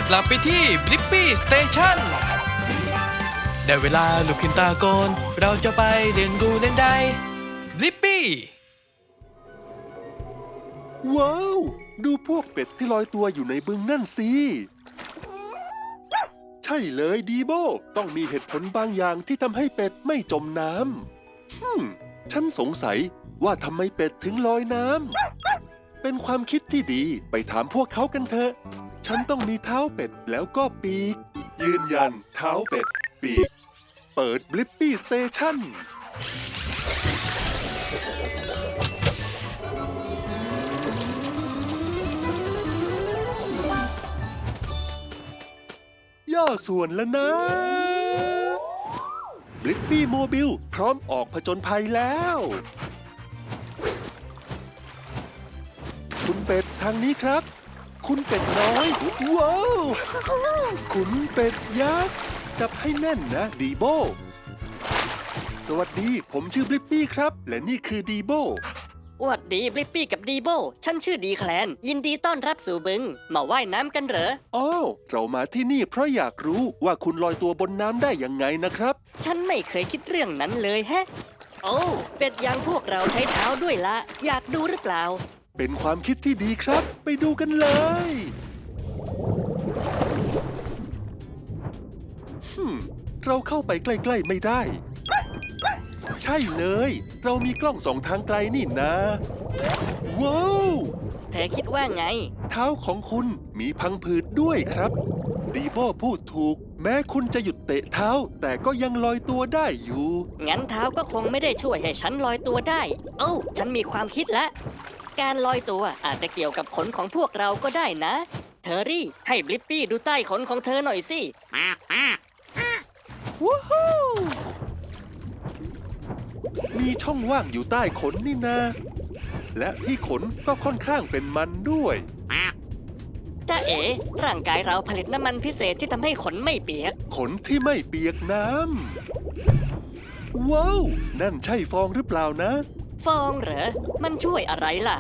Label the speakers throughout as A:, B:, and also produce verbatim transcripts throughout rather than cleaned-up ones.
A: กลับไปที่บลิปปี้สเตชันได้เวลาลุกขึ้นตาโกนเราจะไปเรียนรู้เล่นได้บลิปปี้
B: ว้าวดูพวกเป็ดที่ลอยตัวอยู่ในบึงนั่นสิใช่เลยดีโบต้องมีเหตุผลบางอย่างที่ทำให้เป็ดไม่จมน้ำฮึมฉันสงสัยว่าทำไมเป็ดถึงลอยน้ำเป็นความคิดที่ดีไปถามพวกเขากันเถอะฉันต้องมีเท้าเป็ดแล้วก็ปีกยืนยันเท้าเป็ดปีกเปิดบลิปปี้สเตชันย่อส่วนแล้วนะบลิปปี้โมบิลพร้อมออกผจญภัยแล้วคุณเป็ดทางนี้ครับคุณเป็ดน้อยว้าวคุณเป็ดยักษ์จับให้แน่นนะดีโบสวัสดีผมชื่อบลิปปี้ครับและนี่คือดีโบ
C: อวดดีบลิปปี้กับดีโบฉันชื่อดีแคลนยินดีต้อนรับสู่บึงมาว่ายน้ำกันเหรอ
B: อ้าวเรามาที่นี่เพราะอยากรู้ว่าคุณลอยตัวบนน้ำได้ยังไงนะครับ
C: ฉันไม่เคยคิดเรื่องนั้นเลยแฮะโอ้เป็ดอย่างพวกเราใช้เท้าด้วยละอยากดูหรือเปล่า
B: เป็นความคิดที่ดีครับไปดูกันเลยฮึมเราเข้าไปใกล้ๆไม่ได้ใช่เลยเรามีกล้องส่องทางไกลนี่นะว้าว
C: เธอคิดว่าไง
B: เท้าของคุณมีพังผืดด้วยครับดีโบพูดถูกแม้คุณจะหยุดเตะเท้าแต่ก็ยังลอยตัวได้อยู่
C: งั้นเท้าก็คงไม่ได้ช่วยให้ฉันลอยตัวได้โอ้ฉันมีความคิดแล้วการลอยตัวอาจจะเกี่ยวกับขนของพวกเราก็ได้นะเทอรี่ให้บลิปปี้ดูใต้ขนของเธอหน่อยสิ
B: วู้ฮู้มีช่องว่างอยู่ใต้ขนนี่นะและที่ขนก็ค่อนข้างเป็นมันด้วย
C: จ้าเอ๋ร่างกายเราผลิตน้ำมันพิเศษที่ทำให้ขนไม่เปียก
B: ขนที่ไม่เปียกน้ำว้าวนั่นใช่ฟองหรือเปล่านะ
C: ฟองเหรอมันช่วยอะไรล่ะ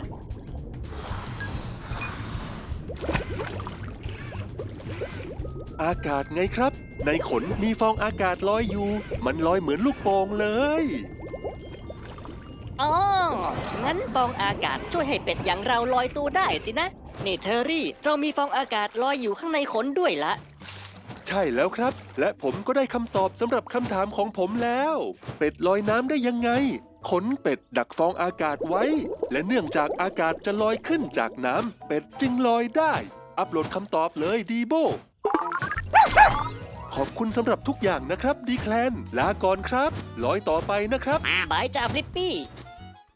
B: อากาศไงครับในขนมีฟองอากาศลอยอยู่มันลอยเหมือนลูกโป่งเลย
C: อ๋องั้นฟองอากาศช่วยให้เป็ดอย่างเราลอยตัวได้สินะนี่เทอรี่เรามีฟองอากาศลอยอยู่ข้างในขนด้วยละ
B: ใช่แล้วครับและผมก็ได้คำตอบสำหรับคำถามของผมแล้วเป็ดลอยน้ำได้ยังไงขนเป็ดดักฟองอากาศไว้และเนื่องจากอากาศจะลอยขึ้นจากน้ำเป็ดจึงลอยได้อัปโหลดคำตอบเลยดีโบขอบคุณสำหรับทุกอย่างนะครับดีแคลนลาก่อนครับลอยต่อไปนะครับ
C: บายจ้าบลิปปี้